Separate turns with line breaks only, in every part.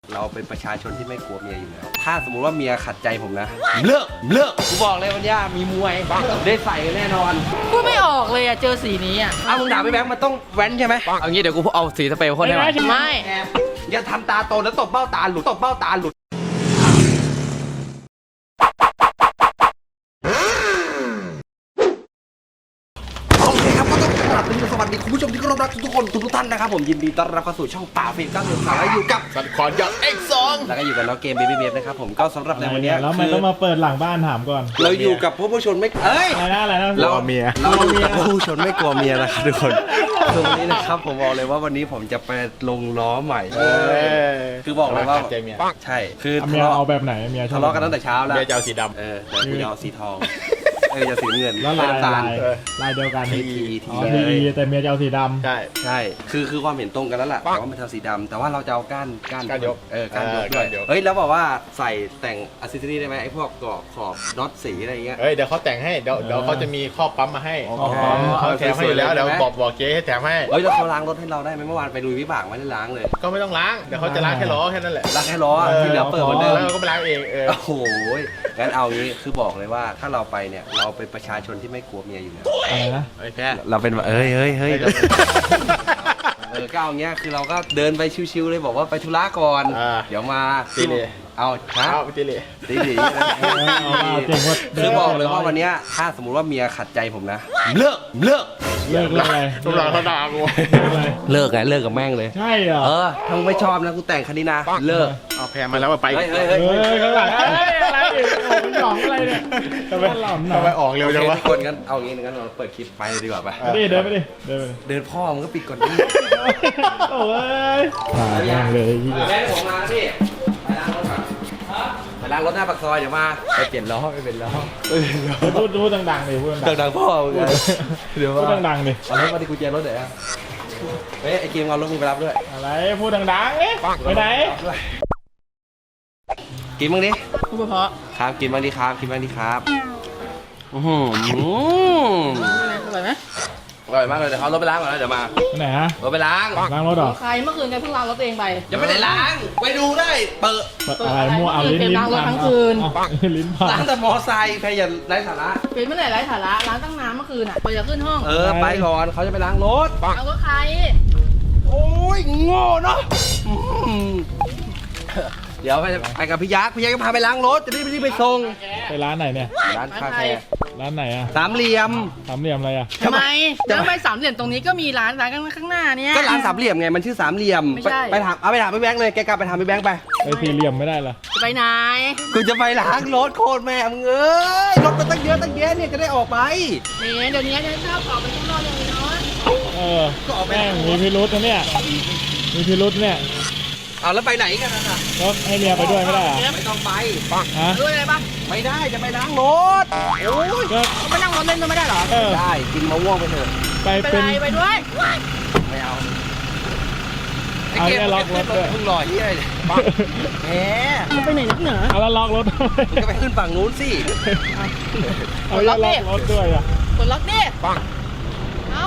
เราเป็นประชาชนที่ไม่กลัวเมียอยู่แล้วถ้าสมมุติว่าเมียขัดใจผมนะเลิกกูบอกเลยวันนี้มีมวยได้ใส่กันแน่นอน
พูดไม่ออกเลยอะเจอสีนี้อะ
เอามึงด่าไม่แบงค์มันต้องแว้นใช่ไหมเอางี้เดี๋ยวกูเอาสีสเปรย์พ่นให้มัน
ไม่
อย่าทำตาโตแล้วตบเบ้าตาหลุดโอเคครับก็ต้องกราบสวัสดีคุณผู้ชมที่เคารพรักทุกคนทุกท่านนะครับผมยินดีต้อนรับเข้าสู่ช่องป่าฟิล์ม90 และอยู่กับ
สัตว์ขอนอย่าง X2
แล้วก็อยู่กับน้องเกมเบบี้เบฟนะครับผมก็สำหรับในวันนี้
แล้วมันต้องมาเปิดหลังบ้านถามก่อน
เราอยู่กับผู้ชนไม่
อะไรนะ
เราเมียเราอยู่กับผู้ชนไม่กลัวเมียนะครับทุกคนคือวันนี้นะครับผมบอกเลยว่าวันนี้ผมจะไปลงล้อใหม่คือบอกเลยว่าใช่คือ
เมียเอาแบบไหนเมีย
ทะเลาะกันตั้งแต่เช้าแล้ว
เมียจะเอาสีดำ
แต่กูจะเอาสีทองจะสีเงิน
แล้วลายเดียวกัน ทีแต่เมียจะเอาสีดำ
ใช่คือความเห็นตรงกันแล้วแหละว่ามันทำสีดำแต่ว่าเราจะเอาก้านยกก้านยกด้วยเฮ้ยแล้วบอกว่าใส่แต่งอัซเซอรี่ได้ไหมไอ้พวกกรอบขอบน็อตสีอะไรเงี้ย
เดี๋ยวเขาแต่งให้เดี๋ยวเขาจะมีข้อปั๊มมาให้เขาแถมให้อยู่แล้วเดี๋ยวบอกเจ๊ให้แถมให้
เฮ้ยแล้วเขาล้างรถให้เราได้ไหมเมื่อวานไปลุยวิบากไม่ได้ล้างเลย
ก็ไม่ต้องล้างเดี๋ยวเขาจะล้างแค่ล้อแค่นั้นแหละ
ล้างแค่ล้อที่เหลือเปิดเหมือนเดิม
แล้วก็ไปล้างเอง
โอ้โหงั้นเอางี้คือบอกเลยว่าถ้าเราไปเนี่ยเราเป็นประชาชนที่ไม่กลัวเมียอยู่แล้ว
อะไรนะ
แค่เราเป็นเฮ้ยก็เอาเงี้ยคือเราก็เดินไปชิวๆเลยบอกว่าไปธุระก่อนเดี๋ยวมา
ตีเลย
เอา
ตีเลย
คือบอกเลยว่าวันนี้ถ้าสมมุติว่าเมียขัดใจผมนะเลิก
อะไร
ตุลาเขาด่ากู
เลิกกับแม่งเลย
ใช่เหรอ
ถ้าไม่ชอบนะกูแต่งคันนี้นะเลิก
เอาแพรมาแล้วไป
เฮ้ย
ข้างหลังอะไรหลองอะไรเนี่ยทำไม
ออกเร็วจังวะ
คนกันเอางี้งั้นเราเปิดคลิปไปเลยดีกว่าไป
เดินไปดิ
เดินพ่อมันก็ปิดก่อนดิ
โอ้ยตายเลย
แม่ผมมาพี่ไปล้างรถหน้าปากซอยเดี๋ยวมาไปเปลี่ยนล้อ
พูดดังๆเลยพูด
ดังพ่อเดี๋ยว
พูดดังๆเลย
เอารถมาดิกุญแจรถเดี๋ยวเฮ้ยไอ้เกมเอารถมึงไปรับด้วย
อะไรพูดดังๆเลยไปไหน
กินบ้างดิ
พูดเพราะ
ครับกินบ้างดิครับอ
ร่อยไหม
อร่อยมากเลยเดี๋ยวเขารถไปล้างก่อนนะเดี๋ยวมา
ไหนฮะ
รถไปล้าง
รถหรอ
ใครเมื่อคืนแกเพิ่งล้างรถเองไป
ยังไม่ได้ล้างไปดูได้เปิด
อะไรมั่วเอาลิ้น
ล้างรถทั้งคืน
ลิ้นพัง
ล้างแต่มอไซค์แพอย่าไร้สาระ
เป็นเมื่อไหร่ไร้สาระล้างตั้งน้ำเมื่อคืนอ่ะไปจะขึ้นห้อง
ไปก่อนเขาจะไปล้างรถ
เอารถใคร
โอ้ยโง่เนาะเดี๋ยวไปกับพี่ยักษ์ก็พาไปล้างรถจะได้ไม่ไปส่ง
ไปร้านไหนเนี่ย
ร้านคาเฟ่
ร้านไหนอะ
สามเหลี่ยม
อะไรอะ
ทำไมแล้วไปสามเหลี่ยมตรงนี้ก็มีร้านข้างหน้าเนี่ย
ก็ร้านสามเหลี่ยมไงมันชื่อสามเหลี่ยมไปถามพี่แบงค์เลยแกกลับไปถามพี่แบงค์ไป
สี่เหลี่ยมไม่ได้เหรอ
ไปไหน
กูจะไปล้างรถโคตรแม่มึงเอ้ยรถมันตั้งเยอะเนี่ยจะได้ออกไป
เดี๋ยวนี้จะชอบออกไปข้างนอกเลยเนา
ะก็ออกไปมีพิรุธนะเนี่ยมีพิรุธเนี่ย
เอาแล้วไปไหนกันนะ
รถให้เมียไปด้วยไม่ได้
ไม่ต้องไป
ด้วยอะไรบ้าง
ไม่ได้จะไปล้างรถโอ้ย
ไปนั่งรถเล่นด้วยไม่ได้หรอ
ได้กินมะม่วงไปเถอะ
ไปเป็น
ไปด้วย
ไม่เอา
ล็อกรถด้วย
เพิ่งลอยที่ไหนแหม
ไปไหนนักเหนือ
เอาแล้วล็อกรถ
ก็ไปขึ้นฝั่งนู้นสิ
เอาล็อกรถด้วยอ่ะ
กดล็อกดิเอา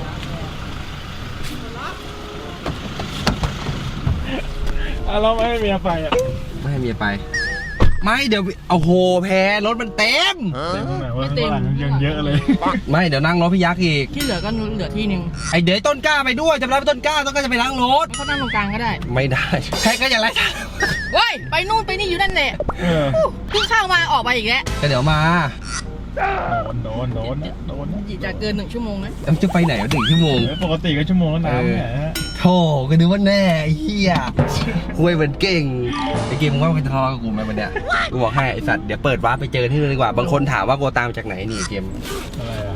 เราไม่ให้เมียไปอ่ะ
ไม่ให้เมียไปไม่เดี๋ยวเอาโหแพรถมันเต็ม
ไม่เต็มยังเยอะเลย
ไม่เดี๋ยวนั่งรถพี่ยักษ์อีก
ที่เหลือก็เหลือที่นึง
ไอเดี๋ยวต้นกล้าไปด้วยจำได้ต้นกล้าต้นกล้าจะไปล้างรถ
เขานั่งตรงกลางก็ได้
ไม่ได้แพ้ก็อย่างไร
เฮ้ยไปนู่นไปนี่อยู่นั่นแหละเพิ่งเข้ามาออกไปอีกแล้ว
ก็เดี๋ยวมา
โดน
จะเกิน1 ชั่วโมงนะ
จะไปไหน1 ชั่วโมง
ปกติก็ชั่วโมงแล้วน้ำเนี่ย
โธ่ก็นึกว่าแน่เฮียคุยเหมือนเก่งไอเกมมึงว่ามึงจะทะเลาะกับกูไหมวันเนี้ยกูบอกให้ไอสัตว์เดี๋ยวเปิดวาร์ปไปเจอที่นู่นดีกว่าบางคนถามว่ากูตามจากไหนนี่เกม
อะไรอะ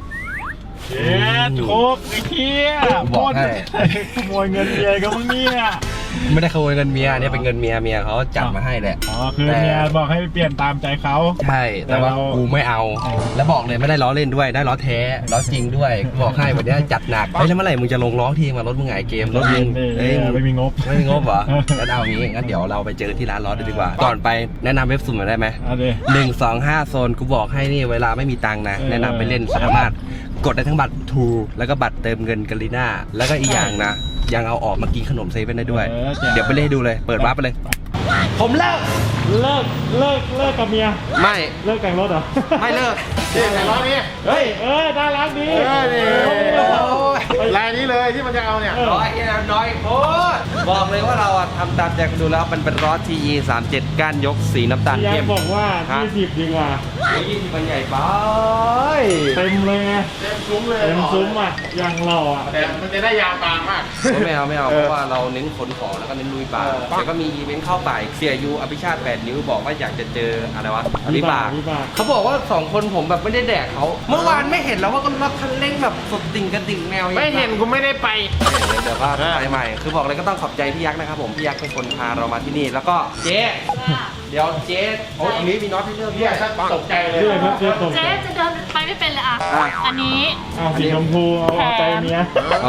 โคกไอ้เหี้ย
บอกให้
ขโมยเงินเมียก็มึงเนี่ย
ไม่ได้ขโมยเงินเมียเนี่ยเป็นเงินเมียเขาจัดมาให้แหละ
คือเมียบอกให้เปลี่ยนตามใจเขา
ใช่แต่ว่ากูไม่เอาแล้วบอกเลยไม่ได้ล้อเล่นด้วยได้ล้อแท้ล้อจริงด้วยบอกให้วันนี้จัดหนักแล้วเมื่อไหร่มึงจะลงล้อทีมารถมึงไงเกมรถมึง
ไม่มีงบ
เหรองั้นเอางี้งั้นเดี๋ยวเราไปเจอที่ร้านล้อดีกว่าก่อนไปแนะนำเว็บสุ่มได้ไหม125 โซนกูบอกให้นี่เวลาไม่มีตังค์นะแนะนำไปเล่นสามารถกดได้ทั้งบัตรทูแล้วก็บัตรเติมเงินกาลิน่าแล้วก็อีกอย่างนะยังเอาออกมากินขนมเซเว่นได้ด้วย
เออแจ๋ว
เดี๋ยวไปเล่นให้ดูเลยเปิดวาร์ปไปเลย ผมเลิก
เลิกกับเมีย
ไม่
เลิกแต่งรถเหรอ
ไม่เลิก
นี่แต่ล้อนี้
เฮ้ยน่ารักดี
ลายนี้เลยที่มันจะเอาเนี่ย
น้อยน้อยโคตรบอกเลยว่าเราอะทำตามใจกันดูแล้วมันเป็นล้อ TE 37ก้านยกสีน้ำตาล
พี่ยั
เข้
ก
ม
ษ์บอกว่า
ฮะ
20ดีกว่า
20มันใหญ่ไป
เต็มเลยไง
เต็มซุ้มเลย
เต็มซุ้มอ่ะอย่างหล่ออ่ะ
แต่มันจะได้ยาวบางมาก
ไม่เอาเพราะว่าเราเน้นขนของแล้วก็เน้นลุยป่าแต่ก็มีอีเวนต์เข้าป่าอีกเสียยูอภิชาติ8 นิ้วบอกว่าอยากจะเจออะไรวะอภิบาก
วิบาก
เขาบอกว่า2 คนผมแบบไม่ได้แดกเขาเมื่อวานไม่เห็นแล้วว่าก็รถคันเร่งแบบสุดติ่งกระดิ่งแนว
ไม่เห็นกูไม่ได้ไป
เดี๋ยวก็ไปใหม่คือบอกเลยก็ต้องขอบใจพี่ยักษ์นะครับผมพี่ยักษ์เป็นคนพาเรามาที่นี่แล้วก็เจ๊เดี๋ยวเจ๊โอ้ยอันนี้มีน็อตให้เลือก
เนี่ยถ้าตกใจเลย
เชื่อครับเชื่อตก
เจ๊จะเดินไปไม่เป็นเลยอ่ะ อันนี้
เอาสีชมพูเอาใจเมีย
เอา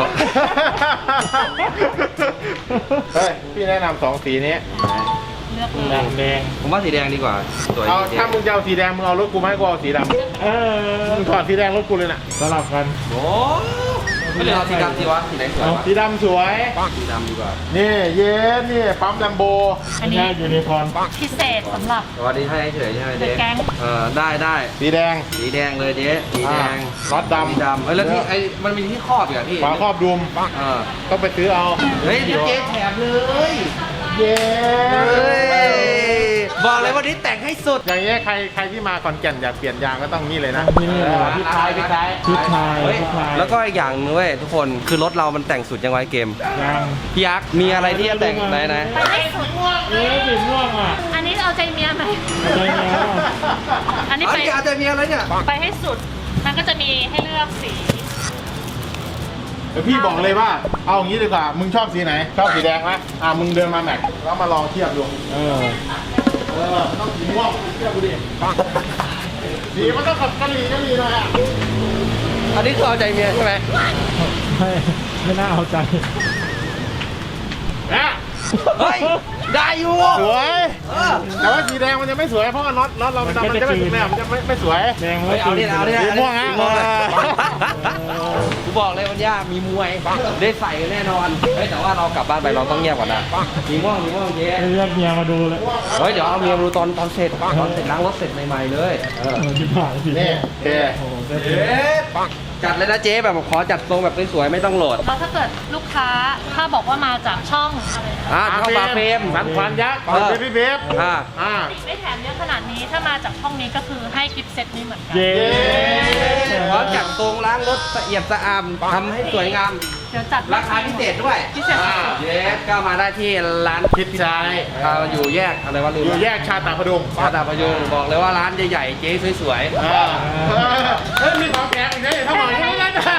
เฮ้ย พี่แนะนำ2สีนี้
เลือกเล
แด
ย
งแดง
ผมว่าสีแดงดีกว่าสวย
เอา
ดีเจ๊
ถ้ามึงจะเอาสีแดงมึงเอารถกูไหมกูเอาสีดำ
เออ
มึงถอดสีแดงรถกูเลยน่ะ
สลับกัน
โอ้ไม่เลยเอาสีดำสีวะสีไหนสวยวะ
สีดำสวย
สีดำดีกว่า
นี่เย็นนี่ปั๊มแลมโบ
อัน
ไม่
นี้
ใช่ยูนิคอร์น
พิเศษสำหรับ
สวัสดีให้เฉยใช่ไหมเจ๊
The Gang
ได้
สีแดง
สีแดงเลยเจ๊สีแดง
น็อตดำ
สีดำเอ้ยแล้วที่ไอ้มันมีที่ครอบอยู่อะพี่
ฝาครอบดุม
เออ
ต้องไปซื้อเอา
เฮ้ยเดี๋ยวเจ๊แถมเลย
เย้
บอกเลยวันนี้แต่งให้สุด
อย่างเงี้ยใครที่มาขอนแก่นอยากเปลี่ยนยางก็ต้องนี่เลยนะ
ที่นี่เลย
พี่ชาย
ชุดชาย
เฮ้ย
ชุดชาย
แล้วก็อีกอย่างนึงเว้ยทุกคนคือรถเรามันแต่งสุดยังไงเกม
ยัง
พี่ยักษ์มีอะไรที่จะแต่งไหน
ไปให้สุด
เอ๊ะสีม่วงอ่ะ
อันนี้เอาใจเมียไหม
ใจเมีย
อันนี้
เอา
ไป
ดิอาจจะมีอะไรเนี่ย
ไปให้สุด มันก็จะมีให้เลือกสี
เดี๋ยวพี่บอกเลยว่า เอาอย่างนี้ดีกว่า มึงชอบสีไหน ชอบสีแดงไหมมึงเดินมาแม็กแล้วมาลองเทียบดู
เออ
ต้องสีม่วงเทียบดูดิสีมันต้องขับกันหลีหน่อยอ่ะ
อันนี้คือเอาใจเมียใช่ไหม
ไม่น่าเอาใจ
นะ
เฮ้ยได้อยู่
สวย
เออ
แต่ว่าสีแดงมันจะไม่สวยเพราะว่าน็อตเรามันจะไม่สวยมันจะไม่สวย
แดง
เฮ้ยเอาดิเอาดิ
สีม่วงฮะ
สีม่วงเลยกูบอกเลยวันย่ามีมวยได้ใส่กันแน่นอนเฮ้ยแต่ว่าเรากลับบ้านไปเราต้องเงียบก่อนนะมีม่วงเจ๊
เรียกเมียมาดูเลย
เฮ้ยเดี๋ยวเอาเมียมาดูตอนเสร็จล้างรถเสร็จใหม่ๆเลยเออ
ที่ผ่านสี
นี่เท่
โอ้โหเท่
เจ๊จัดเลยนะเจ๊แบบขอจัดทรงแบบสวยๆไม่ต้องโหลด
แล้วถ้าเกิดลูกค้าถ้าบอกว่ามาจากช่องอะไรนะ
เข้าบาร์เฟรม
สันควันยักษ์เบบี้เบฟ
ไม่แถมเยอะขนาดนี้ถ้ามาจากช่องนี้ก็คือให้กิฟต์เซตนี้เหมือนกัน
เย้
พร้อมจัดทรงล้างรถละเอียดสะอาดทำให้สวยงาม
เดี๋ยวจัด
ราคาพิเศษด้วย
พิเศษสุด
เย้ก็มาได้ที่ร้าน
พิซซ่าย
อยู่แยกอะไรวะลืม
อยู่แยกชาตาพดุง
ชาตาพยุงบอกเลยว่าร้านใหญ่ๆเจ๊สวย
เฮ้ยมีของแถมอีกนะถ้าบอกอย่างนี้นะ
ๆ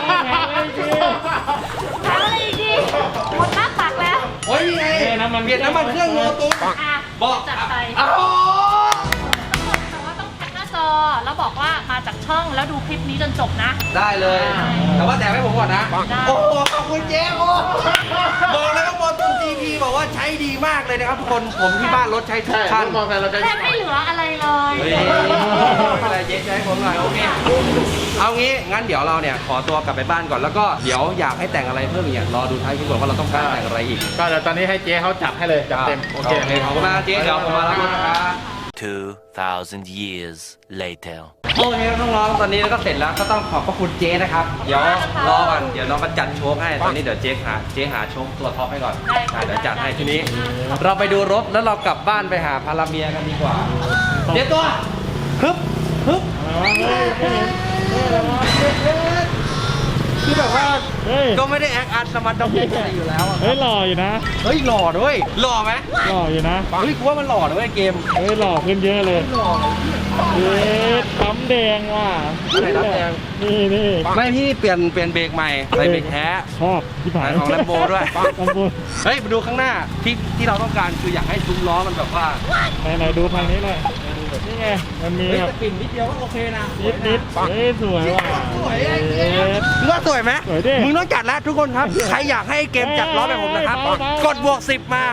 ถามอะไรอีกดีหมดหน้าตักแล้ว
ๆโอ้ยนี่ไงเปลี่ยนน้ำมันเครื่องโลตุส
อ่ะ
บอก
จัดไป
อ้าว
แต่ว่าต้องแคปหน้าจอแล้วบอกว่ามาจากช่องแล้วดูคลิปนี้จนจบนะ
ได้เลย แต่ว่าแต่ให้ผมก่อนนะ
ได้
โอ้โหขอบคุณเจ๊โอ้บอกเลยว่าโมตุน GP บอกว่าใช้ดีมากเลยนะครับทุกคนผมที่บ้านรถใช้ทุก
ใช่
คัน
มองแต่เราจะ
แทบไม่เหลืออะไรเลย
เฮ้ยอะไรเจ๊ใช้ผมหน่อยโอเคเอางี้งั้นเดี๋ยวเราเนี่ยขอตัวกลับไปบ้านก่อนแล้วก็เดี๋ยวอยากให้แต่งอะไรเพิ่มอีกเนี่ยรอดูท้ายคลิปก่อนว่าเราต้องการแต่งอะไรอีก
ก็เดี๋ยวตอนนี้ให้เจ๊เขาจัดให้เลยจัดเต็ม
โอเคขอบคุณมากเจ๊เดี๋ยวผมมาแล้วนะครับ
2,000 years later.
โอเคน้องๆตอนนี้ก็เสร็จแล้วก็ต้องขอบพระคุณเจ๊นะครับเดี๋ยวรอก่อนเดี๋ยวน้องก็จัดโชว์ให้ตอนนี้เดี๋ยวเจ๊หาโชว์ตัวท็อปให้ก่อนเดี๋ยวจัดให้ทีนี้ เราไปดูรถแล้วเรากลับบ้านไปหาพาราเมียกันดีกว่าเจ๊ตัวฮึบคือแบบว่า
เฮ้ย
ก็ไม่ได้แอคอาร์ตสมัติดอกอะไรอยู่แล้วอะ
เฮ้ยหล่ออยู่นะ
เฮ้ยหล่อด้วยหล่อไหม
หล่ออยู่นะ
เฮ้ยกูว่ามันหล่อด้วยเกม
เฮ้ยหล่อขึ้นเยอะเลย
หล่อ
เอ๊ะปั๊มแดงว่ะ
อะไรปั๊มแดง
นี่
ไม่พี่เปลี่ยนเบรกใหม่ใส่เบรกแท้
ชอบที่ผ่าน
ของ Lambo ด้วย
Lambo
เฮ้ยมาดูข้างหน้าที่เราต้องการคืออยากให้ซุ้มล้อมันแบบว่า
ไหนดูทางนี้หน่อยนี่ไงมันมี
เฮ้ย
แบบ
แต่ปิ่นนิดเดียวก็โอเคนะ
นิดเฮ้ยสวยว่ะ
สวยไอ้เก
เอ๊
ม
ะ
มึงว่าสวยไหม
สวยดิ
มึงต้องจัดแล้วทุกคนครับใครอยากให้เกมจัดล้อแบบผมนะครับ
เบาๆ
กดบวก 10 มา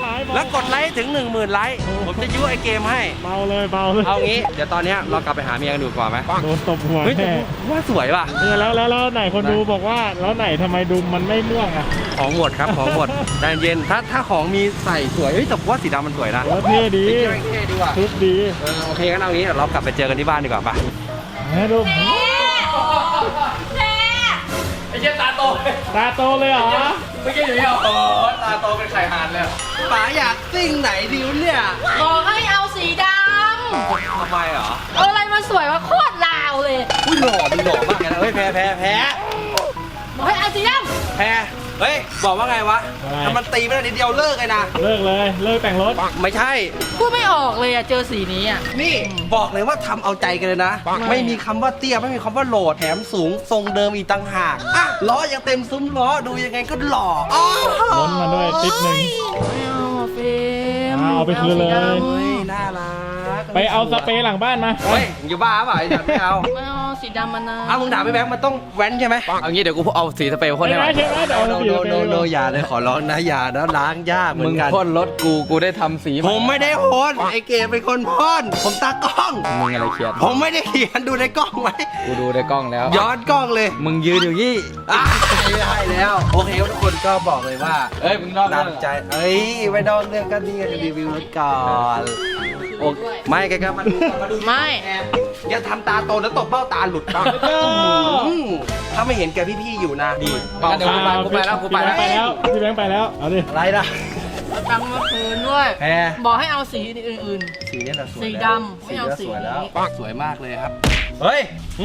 แล้วกดไลค์ถึง 10,000 ไลค์ผมจะยุ้ไอเกมให้
เบาเลยเบาเลย
เอางี้เดี๋ยวตอนเนี้ยเรากลับไปหาเมียกันดูก่อนไหม
โดนตบหัว
เฮ้ยแต่
แน่
ว่าสวยป่ะ
เนี่ยแล้วไหนคนดูบอกว่าแล้วไหนทำไมดุมมันไม่ม่วงอ่ะ
ของหมดครับของหมดใจเย็นถ้าของมีใส่สวยเฮ้ยแต่ว่าสีดำมันสวยนะ
แล้วเท่ดี
เท่ดีว่ะ
ชุดดี
โอเคงั้นเอางี้เดี๋ยวเรากลับไปเจอกันที่บ้านดีกว่าป่ะ
แม่ดุม
แม่
ไอ้เจ้าตาโต
ตาโตเลยเหรอ
ไม่ใช่อยู่นี่หรอตาโตเป็นไข่หานเลยป๋าอยากซิ่งไหนดิวเนี่ย
บอกให้เอาสีด
ทำไมเหรอ
ำเอาอะไรมาสวยว่าโคตรลาวเลย
อุ้ยหล่อมึงหล่อมากเลยนะเฮ้ยแพ้
บอกให้เอาสีด
เฮ้ยบอกว่าไงวะถ้ามันตีไม่ได้นิดเดียวเลิกเลยนะ
เลิกเลยเลิกแต่งรถ
ไม่ใช่
ำพูดไม่ออกเลยอะเจอสีนี้อะ
นี่บอกเลยว่าทำเอาใจกันเลยนะ ไม่มีคำว่าเตี้ยไม่มีคำว่าโหลดแถมสูงทรงเดิมอีกต่างหากอ่ะล้อยังเต็มซุ้มล้อดูยังไงก็หล่ออ้าว
ล้นมาด้วยติ๊บหนึ่ง
ไม่เอาอะเฟรม
เอาไปคืนเลย
ไม่อาสีด
เฮ้ยน่ารัก
ไปเอาสเปรย์หลังบ้านมา
เฮ้ยอยู่บ้าเปล่าไอ้เด็กไม่เอา
ำไม่เอาสีดำมันนะ
เอามึงด่าพี่แบงค์มันต้องแว้นใช่ไหมเอางี้เดี๋ยวกูเอาสีสเปรย์พ่น
ใช่
ให้
ไหม
มัน
ใช่ไหมเดี๋ยวเอาสีสเปรย์
โนอย่าเลยขอร้องนะอย่านะล้างยากเหมื
มึ
อง นกัน
พ่นรถกูได้ทำสี
ผมไม่ได้พ่นไอเกมเป็นคนพ่นผมตากล้อง
มึงอะไรเครียด
ผมไม่ได้เขียนดูในกล้องไหม
กูดูในกล้องแล้ว
ย้อนกล้องเลย
มึงยืนอยู่นี่
อ่ะไม่ได้แล้วโอเคทุกคนก็บอกเลยว่า
เอ้ยมึงนอก
ตา
เรื่
ม
อง
ใจเอ้ยไม่ต้องเรื่องกันนี่จะรีวิวรถก่อนโอ้ไม่แกก็มาดู
ไม่
แอบอย่าทำตาโตแล้วตบเบ้าตาหลุดถ้าไม่เห็นแกพี่ๆอยู่นะดี
เดี๋ยวกูไปแล้วกูไปแล้ว
พี่แบงค์ไปแล้วพี่แบงค์ไปแล้วเอาดิ
อะไรนะ
เอาตังค์มาคืนด้วย
แพร
บอกให้เอาสีอื่น
สีนี้แหละสวย
สี
แล้ว
ดำไม่เอาสี
สวยแล้ว
นี้
สวยมากเลยครับเฮ้ย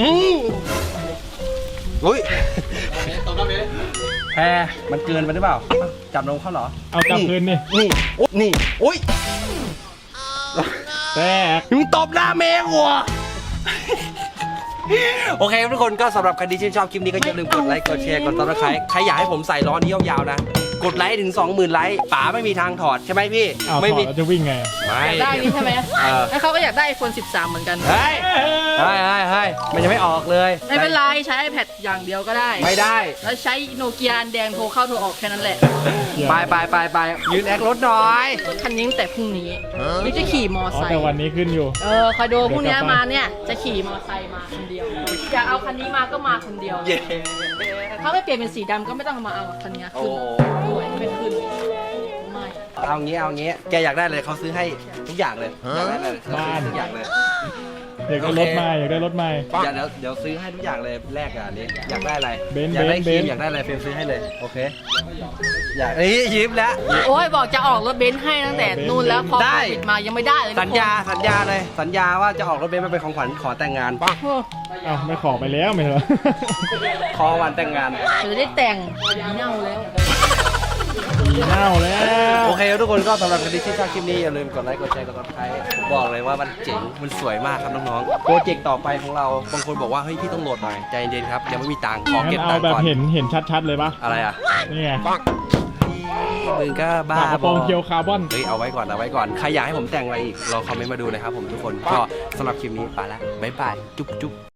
อุ้ยแพรมันเกินไปหรือเปล่าจับนมเขาเหรอ
เอากลับคืนนี่
นี่นี่อุ้ย
แตก
มึงตบหน้าเมย์หัวโอเคทุกคนก็สำหรับใครที่ชื่นชอบคลิปนี้ก็อย่าลืมกดไลค์กดแชร์กดติดตามใครอยากให้ผมใส่ล้อนี้ยาวๆนะกดไลค์ถึง 20,000 ไลค์ป๋าไม่มีทางถอดใช่ไหมพี่
เอาถ
ไม่
อด
มี
แล้วจะวิ่งไง
ไม่
อยากได้นี่ใช่ไหม
อ
แล้วเขาก็อยากได้ iPhone 13 เหมือนกัน
เฮ้ยเฮ้ยมันยังไม่ออกเลย
ไม่เป็นไรใช้ iPad อย่างเดียวก็ได้
ไม่ได้
แล้วใช้โนเกียอันแดงโทรเข้าโทรออกแค่นั้นแหละ
ไปยืนแอครถหน่อย
รถคันนี้ตั้งแต่พรุ่งนี้นี่จะขี่มอ
อ๋อ
ไซ
แต่
ค์
วันนี้ขึ้นอยู่
คอยดูพรุ่งนี้มาเนี่ยจะขี่มอไซค์มาคนเดียวอยากเอาคันนี้มาก็มาคนเดียว
เย้
ถ้าไม่เปลี่ยนเป็นสีดำก็ไม่ต้องมาเอาคันนี้
โอ้
ขึ้นด้วยไม่ขึ้นไม่
เอางี้แกอยากได้เลยเขาซื้อให้ทุกอย่างเลยอยากได้เลยเขาซื้อให้ทุกอย่างเลย
อยากได้รถใหม่อยากได้รถใหม่
เดี๋ยวซื้อให้ทุกอย่างเลยแรกอ่ะนี่อยากได้อะไร
เบนซ์
อยากได้
เบ
ครี
น
ม
ซ์
อยากได้อะไรเฟรมซื้อให้เลยโอเคอยากยิ้มแล้ว
โอ้ยบอกจะออกรถเบนซ์ให้ตั้งแต่นู่นแล้วพอ
ได้
โควิดมายังไม่ได้เลย
สัญญาเลยสัญญาว่าจะออกรถเบนซ์มาเป็นของขวัญขอแต่งงาน
โอ้
อ้าวไม่ขอไปแล้วไม่เหรอ
ขอวันแต่งงาน
เดี๋ยวได้แต่งเน่าแล้ว
เน่าแล้ว
โอเคทุกคนก็สำหรับใครที่ชอบคลิปนี้อย่าลืมกดไลค์กดแชร์กดติดตามบอกเลยว่ามันเจ๋งมันสวยมากครับน้องๆโปรเจกต์ต่อไปของเราบางคนบอกว่าเฮ้ยพี่ต้องโหลดหน่อยใจเย็นๆครับยังไม่มีตังค์ขอ
งั้
เก็บ
น
ตั
เอา
งค์
แบบ
ก่อน
เห็นชัดๆเลยปะ
อะไรอ่ะ
นี่ไง
มึงก็บ้า
ฝากระโปรงเคียวคาร์บอน
เฮ้ยเอาไว้ก่อนใครอยากให้ผมแต่งอะไรอีกรอคอมเมนต์มาดูนะครับผมทุกคนก็สำหรับคลิปนี้ไปละบ๊ายบายจุ๊บ